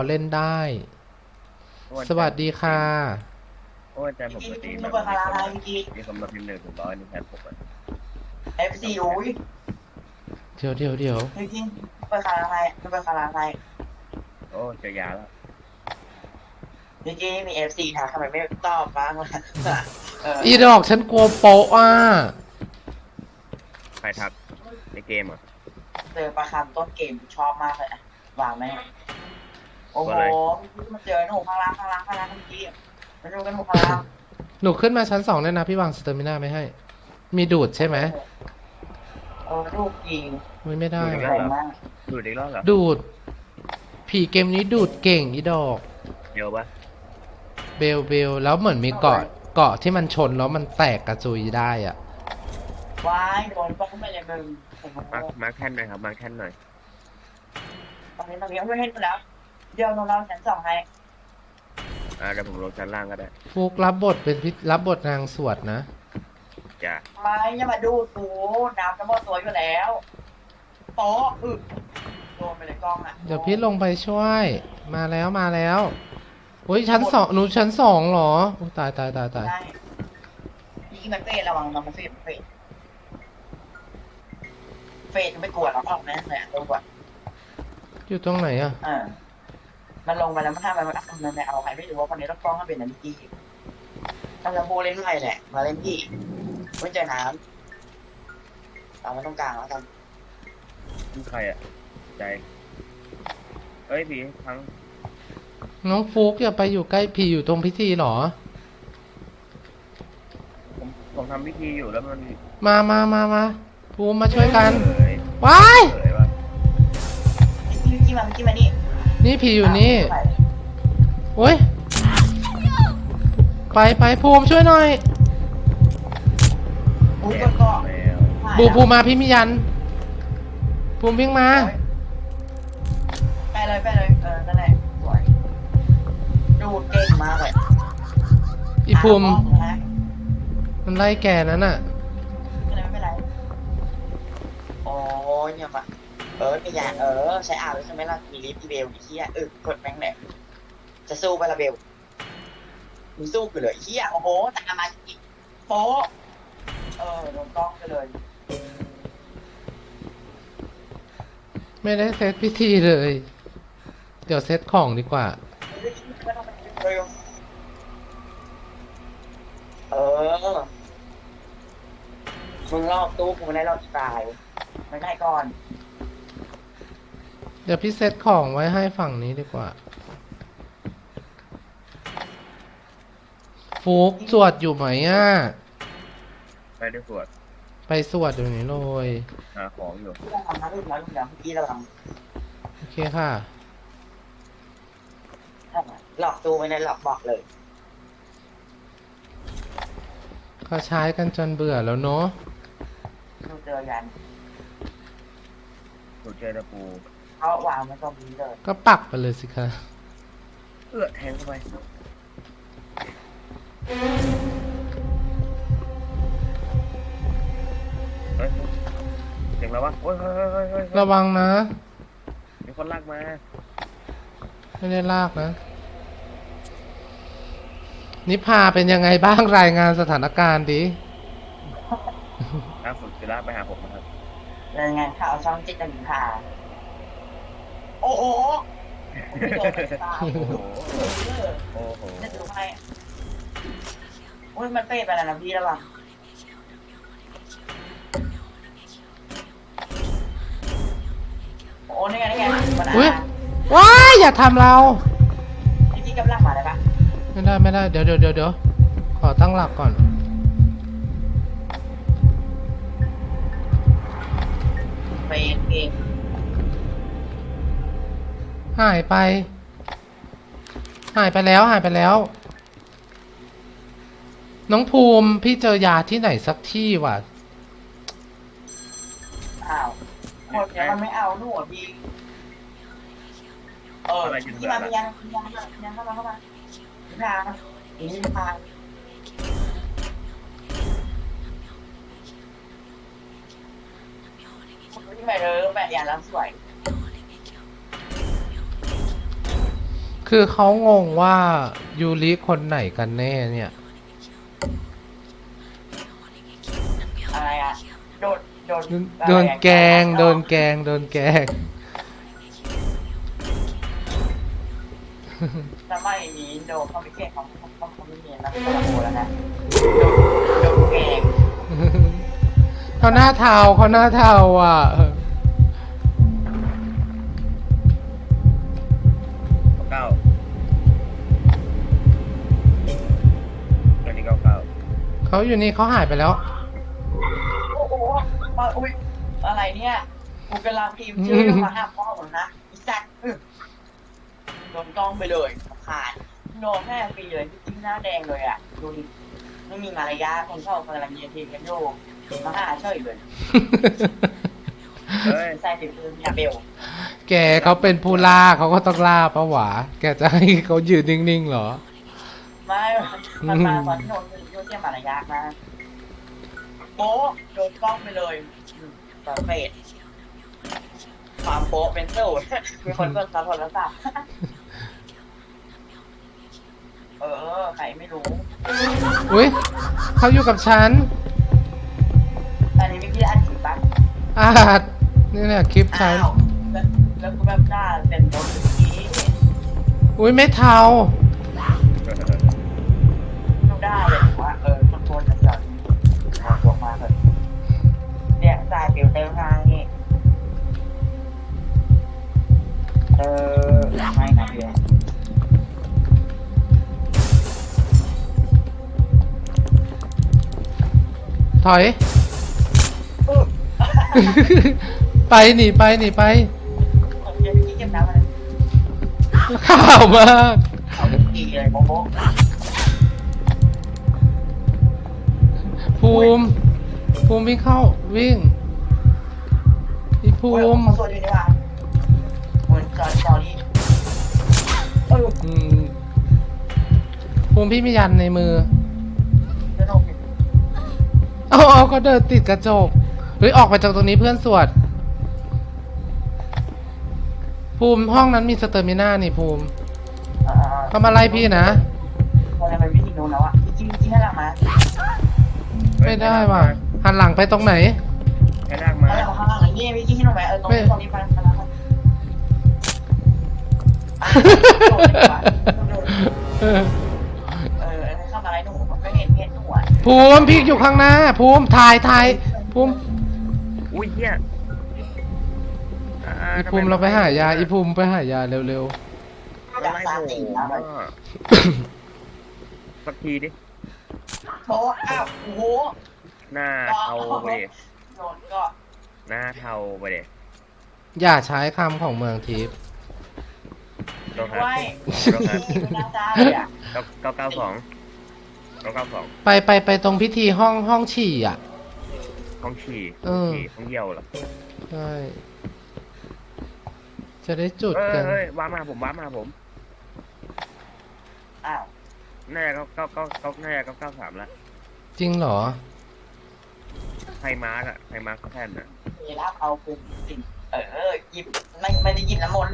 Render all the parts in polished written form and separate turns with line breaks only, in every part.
เล่นได้สวัสดีค่ะ
โอ้อาจารย์ผมปกติแบบมีคนมาพิมพ์1 ถึง 100ในแชทผมอ่ะ
FC อุ้ย
เดี๋ยว
จริงๆเปิดคาราไทยไม่เปิดคาราไทย
โอ้เจอยาแล้ว
จริงๆมี FC ถามทำไมไม่ตอบบ้างล่ะ
อีดอกฉันกลัวโปะอ่ะ
ใครทักในเกมอ่ะ
เจอประคำต้นเกมชอบมากเลยอะวางไหมโอ้โหมาเจอหนูข้างล่างเมื่อกี้มาดูกันหนูข้างล่าง
หนูขึ้นมาชั้น2เลยนะพี่วางสเตอร์มิน่าไม่ให้มีดูดใช่ไหม
ลูกยิง
ไม่ได้
ดูดอีกแล้วเหรอดูดอีกแล้วเหรอ
ดูดผีเกมนี้ดูดเก่งอีดอก
เดี๋ยวปะ
เบลแล้วเหมือนมีเกาะที่มันชนแล้วมันแตกกระจุยได้อ่ะ
ว้ายโดนป้องไปเลยมึง
มาร์คแท่นหน่อยครับมาร์คแท่นหน่อย
ตอนนี้ไม่เห็นแล้วเดี๋ยวเราชั้นสองให้
เดี๋ยวผมลงชั้นล่างก็ได้
ฟุกรับบทนางสวดนะ
จ้ะ
ไม่จะมาดูตูน้ำจะหมดตัวอยู่แล้วโต๊ะโดนไปเลยกล้องอ่ะ
เดี๋ยวพี่ลงไปช่วยมาแล้วโอ้ยชั้น2หนูชั้น2เหรอตาย
ได้นี่มันเฟดระวังมันเฟดไม่กลัวหรอกออกแน่เลยอ่ะรู้ป่ะ
อยู่ตรงไหนอ่ะ
มันลงไปแล้วมันทำอะไรมันไม่เอาใครไม่รู้ว่าคนนี้ต้องกล้องมันเป็นนันทีต้องจะพูดเล่นไรแหละมาเล่นพี่ไม่เจอน้ำเอามาตรงกลางแล้วกัน
นี่ใครอ่ะใจเฮ้ยผีทั้ง
น้องฟุกอย่าไปอยู่ใกล้ผีอยู่ตรงพิธีเหรอ
ผมทำพิธีอยู่แล้วมัน
มาภูมิมาช่วยกัน
เฮ้ย
ว้าย
เฮ้ยวะ
กี้มา
นี่ผีอยู่นี่โอ้ยไปภูมิช่วยหน่อย
อุ้ย
แย่
ก็
แล้ว
ภูมิมาพี่มิยันภูมิวิ่งมา
ไปเลยนั่นแหละสวยดูเก่งมากเลย
อีภูมิมันไล่แกนั้นน่ะ
ไม่เป็นไรโอ้ยเนี่ยปะมีอย่างใช้ใช่ไหมล่ะมีลิฟต์เบลเฮียกดแม่งเลยจะสู้ไปละเบลมึงสู้ไปเลยเฮียโอ้โหตามมาอีกโป๊ะโดนกล้องไปเลย
ไม่ได้เซตพิธีเลยเดี๋ยวเซตของดีกว่า
มึงลอกตู้กูไม่ได้ลอกอีกตายไม่ได้ก่อน
เดี๋ยวพี่เซตของไว้ให้ฝั่งนี้ดีกว่าฟุกสวดอยู่ไหมอ่ะ
ไปด้วยสวด
ไปสวดอยู่นี้เลย
หาของอยู่
เราทำนะลูกเดี๋ยวพี่เราท
โอเคค่ะ
ำหลอกตู้ไม่ได้หลอกบอกเลย
เขาใช้กันจนเบื่อแล้วเนาะ
ดูเจอกัน
ถูกเจอตะปู
เขาวางมันตรงนี้เลย
ก็ปักไปเลยสิคะ
แทงเข้าไปเฮ้ยเสียงแล้ววะโอ้ย
ระวังนะ
มีคนลากมา
ไม่ได้ลากนะนิพาเป็นยังไงบ้างรายงานสถานการณ์ดิ
ล่าสุดคือลากไปหาผมนะครับ
รายงานข่าวช่องจิตนิพาโอ้โหไม่โดนตา
โอ้โห
จะดูให้โอ้ยมันเป๊ะไปแล้วนะพี่ระวังโอ้นี่ไง
อุ้ยว้ายอย่าทำเรา
พี่กำลังมาเลยปะ
ไม่ได้เดี๋ยวขอตั้งหลักก่อน
เป็นเอง
หายไปแล้วน้องภูมิพี่เจอยาที่ไหนสักที่ว่ะ
หมดเนี่ยมันไม่เอาหนูพี่ที่มายังเข้ามาพาอย่างนี้พาที่ไปเลยแบบอย่างแล้วสวย
คือเขางงว่ายูริคนไหนกันแน่เนี่ย
อะไรอะโดน
โดนแกงโดนแกงโดนแกง
สมัยนี้โดนเขาไม่เก่งเขาไม่เนียนนะเขาโหแล้วนะโดนแกง
เขาหน้าเทาเขาหน้าเทาอ่ะ
เก้าอันนี้เก้าเก้า
เขาอยู่นี่เขาหายไปแล้ว
โอ้โหมาอุ้ยอะไรเนี่ยกูกำลังพิมพ์ชื่อมาห้ามพ่อผมนะอีสัตว์โดนกล้องไปเลยขาดโดนแม่ปีเลยที่หน้าแดงเลยอ่ะดูดิไม่มีมารยาทคนชอบกำลังเยียนทีกันโยมาหาเฉยเลย
เฮ้ย
ใส่ติดมือมีอาเบล
แกเขาเป็นผู้ล่าเขาก็ต้องล่าปะหวะแกจะให้เขายืนนิ่งๆเหรอ
ไม่มันมาตอนที่โดนโยนเทียมมารยาทมาโป๊ะโดนกล้องไปเลยตอนเฟดความโป๊ะเป็นสูตรมีคนเพิ่งรับโทรศัพท์ใครไม่รู้
อุ้ยเขาอยู่กับฉัน
อันนี้ไม่พี่อันคลิปปะ
อาดนี่เนี่ยคลิปฉัน
อ้าวแล้วกูแบบหน้าเป็นรถเมื่อกี้
อุ้ยไม่เทา
ดูได้เลยว่ามันควรจะจอดมาพวกมาเลยเนี่ยสายฟิลเตอร์มานี่ไม่นะเพื่อน
ถอย ไปหนีไปหนีไป
ผมจะไปเก็บน้ำอะไร
ข่าวมาก
เอาไปตีเลยโมโม
ภูมิวิ่งเข้าวิ่งอีภูมิ
เขาสวยดีนี่ว่าเหมือนจอรี่
อืมภูมิพี่มียันในมือ
จะโดน
เอาก็เดินติดกระจกเฮ้ยออกไปจากตรงนี้เพื่อนสวด ภูมิห้องนั้นมีสเตอร์มิน่านี่ภูมิทำอะไรพี่นะ
อะไรมันไม่ถึงโดนแล้วอ่ะจริงให้เรามา
ไม่ได้ว่ะหันหลังไปตรงไหน
แค่ลากมา
อะไรของข้างล่างนี่พี่กี้ให้เราไปตรงนี้ไปแล้วเข้ามาอะไรหนูไม่เห็นหนูอ่ะ
ภูมิพี่อยู่ข้างหน้า ภูมิถ่ายภูมิ
อุ้ยเหี้ย
อีภูมิเราไปหายาอีภูมิไปหายาเร็ว
อยากตามตีนะเลย
สักทีดิ
โอ้อ้าวโอ้โห
หน้าเทาไปดิ
โดนก็
หน้าเทาไปดิ
ๆ อย่าใช้คำของเมืองทิพย์
โดนครับ
ไว้
โดนครับ
ไม่น่าจ้าเลยอ่ะ
992
ไปตรงพิธีห้องฉี่อ่ะ
ห้องฉี่ ห้องเยี่ยวเหรอ
ใช่ จะได้จุดกัน
เฮ้ยว้ามาผม
อ้าว
น่าจะน่าจะ993แล้ว
จริงเหรอ
ไฮมาร์กเขาแทนน่ะ
เวลาเอาเป็นสิ่งหยิบไม่ได้หยิบน้ำมนต์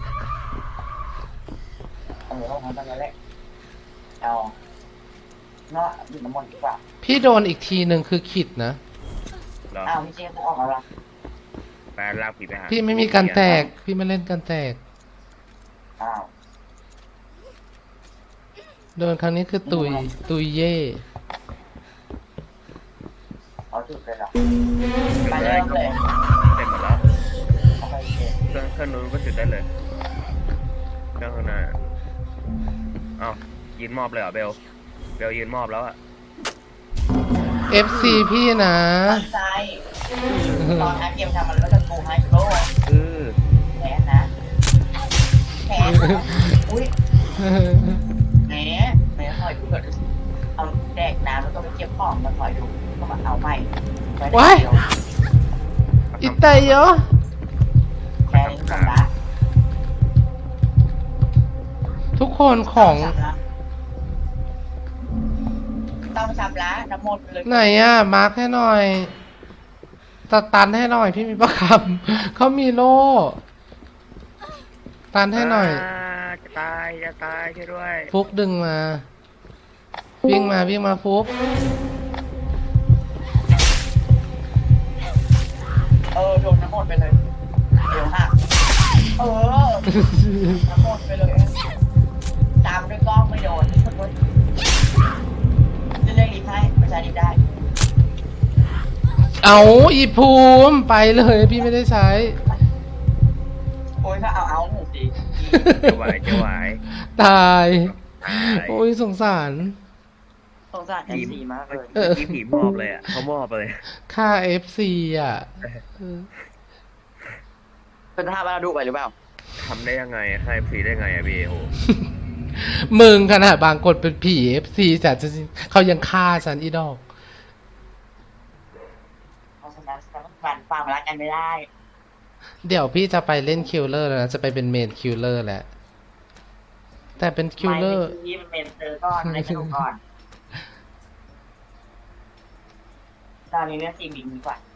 เอาห้องนั้นแหละเอาเนาะหยิบน้ำมนต์ดีกว่า
พี่โดนอีกทีหนึ่งคือขิดนะ
เหรอ
อ้าวพี่เจมส์ออกแล้ว
แปลลากผีไปหา
พี่ไม่มีการแตก พี่ไม่เล่นการแตก
อ้าว
โดนครั้งนี้คือตุยเย่
เอาจุดเลยเหรอ
จุด
มา
เล
เริ่
ย
มเลย
เสร็จหมดแล้ว
โอเค
เครื่องนู้นก็จุดได้เลยเครื่องข้างหน้าอ้าวยืนมอบเลยเหรอเบลยืนมอบแล้วอะ
FC พี่นะ
ตั้งใจตอนท้ายเกมทำมันแล้วจะกูไฮโล แพ้นะแพ้นะอุ้ยแหนถอยดูเถอะเอาแดกน้ำแล้วก็ไปเก็บของมาถอยดูก็มาเอาใหม่
ว้าย อิตาโย
แพ้นี่สำลัก
ทุกคนของ
ต้องชำระน้ำมนต์เลย
ไหนอะมาร์คให้หน่อยตันให้หน่อย พี่มีประคำเขามีโล่ตันให้หน่อย
จะตายจะตายช่วยด้วย
ฟุกดึงมา วิ่งมาฟุก
โดนน้ำหมดไปเลย เดี๋ยวหักน้ำหมดไปเลยตามด้วยกล้องไม่โดนจะเล่นรีบให้ไม่ใช้รีบได้
เอาอีภูมิไปเลยพี่ไม่ได้ใช้
โอ้ยถ้าเอาหนึ่งสิ
จะไหวจะไหว
ตาย
ตาย
โอ้ยสงสาร
สงสารแอนซีมากเลย
เออ
ที่ผีมอบเลยอ่ะเขามอบเลย
ค่า FC อ่ะเออ
เป็นท่าบาราดูไปหรือเปล่า
ทำได้ยังไงให้ฟรีได้ไงอะพี่โอ้
มึงขนาดบางคนเป็นผี FC แต่เขายังฆ่าฉันอีดอก
เพราะฉะนั้นมันความรักกันไม่ได้
เดี๋ยวพี่จะไปเล่นคิลเลอร์แล้วนะจะไปเป็นเมนคิลเลอร์แหละ แต่เป็นคิลเลอร์
ไม่ที่มันเป็นเซอร์ก่อนในกระดูกก่อนตอนนี้เรื่องซีบิงดีกว่า